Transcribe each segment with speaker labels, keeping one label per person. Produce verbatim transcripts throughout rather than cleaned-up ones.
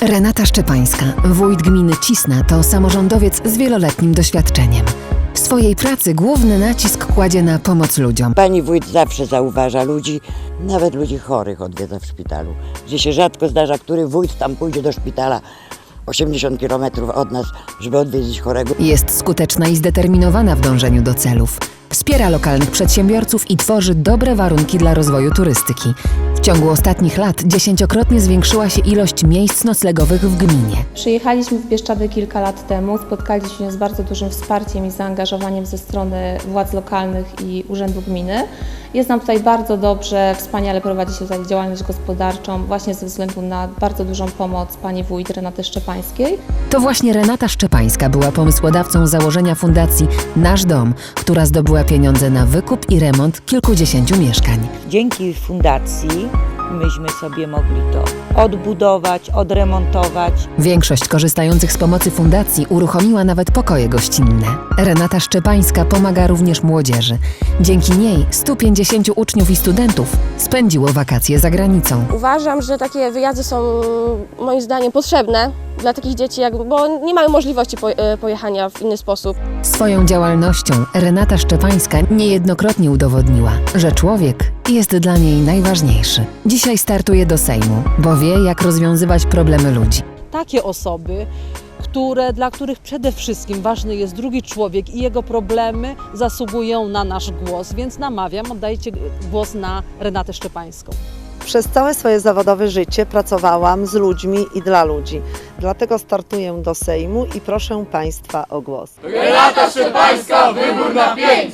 Speaker 1: Renata Szczepańska, wójt gminy Cisna, to samorządowiec z wieloletnim doświadczeniem. W swojej pracy główny nacisk kładzie na pomoc ludziom.
Speaker 2: Pani wójt zawsze zauważa ludzi, nawet ludzi chorych odwiedza w szpitalu, gdzie się rzadko zdarza, który wójt tam pójdzie do szpitala osiemdziesiąt kilometrów od nas, żeby odwiedzić chorego.
Speaker 1: Jest skuteczna i zdeterminowana w dążeniu do celów. Wspiera lokalnych przedsiębiorców i tworzy dobre warunki dla rozwoju turystyki. W ciągu ostatnich lat dziesięciokrotnie zwiększyła się ilość miejsc noclegowych w gminie.
Speaker 3: Przyjechaliśmy w Bieszczady kilka lat temu, spotkaliśmy się z bardzo dużym wsparciem i zaangażowaniem ze strony władz lokalnych i Urzędu Gminy. Jest nam tutaj bardzo dobrze, wspaniale prowadzi się tutaj działalność gospodarczą, właśnie ze względu na bardzo dużą pomoc pani wójt Renaty Szczepańskiej.
Speaker 1: To właśnie Renata Szczepańska była pomysłodawcą założenia fundacji Nasz Dom, która zdobyła pieniądze na wykup i remont kilkudziesięciu mieszkań.
Speaker 4: Dzięki fundacji myśmy sobie mogli to odbudować, odremontować.
Speaker 1: Większość korzystających z pomocy fundacji uruchomiła nawet pokoje gościnne. Renata Szczepańska pomaga również młodzieży. Dzięki niej stu pięćdziesięciu uczniów i studentów spędziło wakacje za granicą.
Speaker 5: Uważam, że takie wyjazdy są moim zdaniem potrzebne dla takich dzieci, jakby, bo nie mają możliwości pojechania w inny sposób.
Speaker 1: Swoją działalnością Renata Szczepańska niejednokrotnie udowodniła, że człowiek jest dla niej najważniejszy. Dzisiaj startuje do Sejmu, bo wie, jak rozwiązywać problemy ludzi.
Speaker 6: Takie osoby, które, dla których przede wszystkim ważny jest drugi człowiek i jego problemy, zasługują na nasz głos, więc namawiam, oddajcie głos na Renatę Szczepańską.
Speaker 7: Przez całe swoje zawodowe życie pracowałam z ludźmi i dla ludzi. Dlatego startuję do Sejmu i proszę Państwa o głos.
Speaker 8: Renata Szczepańska, wybór na pięć!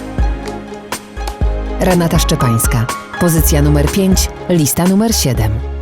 Speaker 1: Renata Szczepańska, pozycja numer pięć, lista numer siedem.